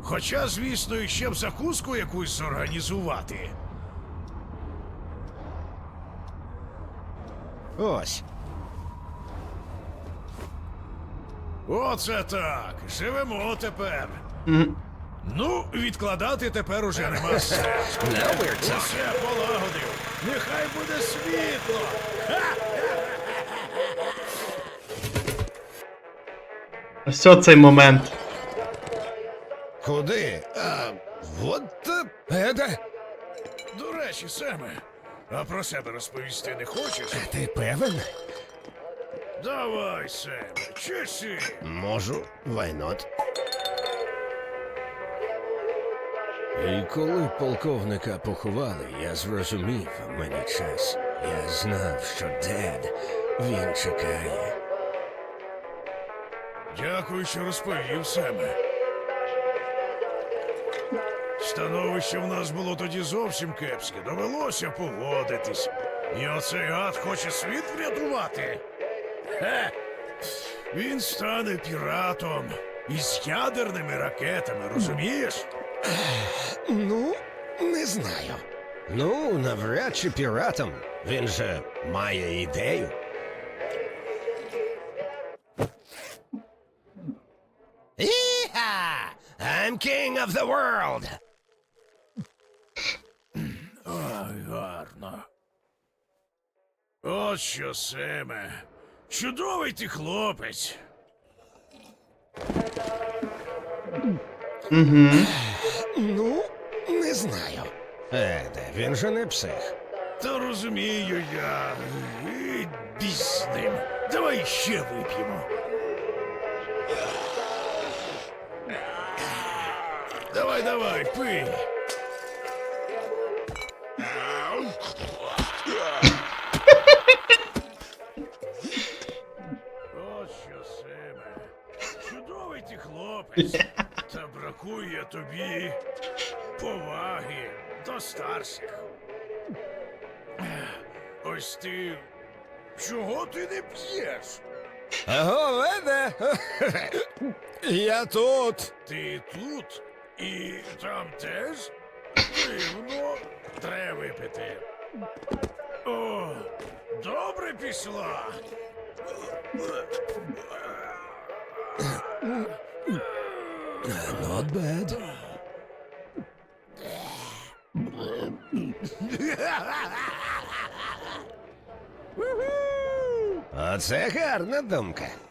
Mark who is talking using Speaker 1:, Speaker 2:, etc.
Speaker 1: Хоча, звісно, іще б закуску якусь зорганізувати.
Speaker 2: Ось.
Speaker 1: Оце так. Живемо тепер. Ну, відкладати тепер уже нема сенсу. Усе полагодив. Нехай буде світло.
Speaker 3: Ось цей момент.
Speaker 2: Куди? Вот Еде.
Speaker 1: До речі, Семе, а про себе розповісти не хочеш?
Speaker 2: Ти певен?
Speaker 1: Давай, Семе, чеши.
Speaker 2: Можу, why not? І коли полковника поховали, я зрозумів, мені час. Я знав, що Дед, він чекає.
Speaker 1: Дякую, що розповів, Семе. Становище в нас було тоді зовсім кепське. Довелося погодитись. І оцей гад хоче світ врятувати. Хе! Він стане піратом із ядерними ракетами, розумієш?
Speaker 2: Ну, не знаю. Ну, навряд чи піратом. Він же має ідею. Іха! I'm king of the world!
Speaker 1: Ай, гарно. От що, Семе. Чудовий ти хлопець.
Speaker 2: Ну, не знаю. Еде, він же не псих.
Speaker 1: Та розумію я. І біс з ним. Давай ще вип'ємо. Давай, давай, пий. От що, Семе. Чудовий ти хлопець. Та бракує тобі поваги до старших. Ось ти. Чого ти не п'єш?
Speaker 2: Аго, Еде! Я тут.
Speaker 1: Ти тут і там теж? Дивно, треба випити. О, добре пішла.
Speaker 2: Not bad. Оце гарна думка.